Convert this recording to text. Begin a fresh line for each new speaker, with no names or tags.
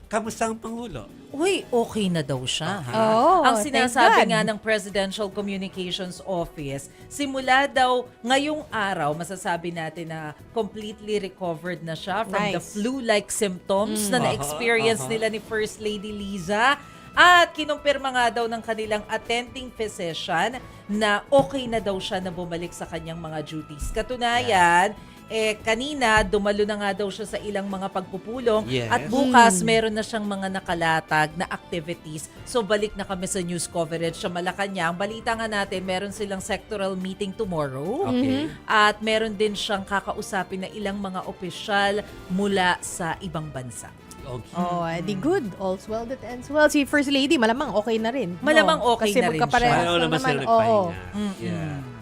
kamusta ang Pangulo?
Uy, okay na daw siya. Ha?
Oh,
Ang
thank
sinasabi
God.
nga ng Presidential Communications Office, simula daw ngayong araw, masasabi natin na completely recovered na siya from the
Nice.
flu-like symptoms na na-experience nila ni First Lady Liza. At kinumpirma nga daw ng kanilang attending physician na okay na daw siya na bumalik sa kanyang mga duties. Katunayan, kanina dumalo na nga daw siya sa ilang mga pagpupulong
Yes.
at bukas meron na siyang mga nakalatag na activities. So balik na kami sa news coverage sa Malacanang. Balita nga natin, meron silang sectoral meeting tomorrow.
Okay.
At meron din siyang kakausapin na ilang mga opisyal mula sa ibang bansa.
Okay.
Oh, di good. All's well that ends well. Si First Lady, malamang okay na rin.
Malamang okay
Kasi
na rin
magkaparehas
siya.
Paano
lang
naman sila
naman. Oo.
nagpahinga? Yeah.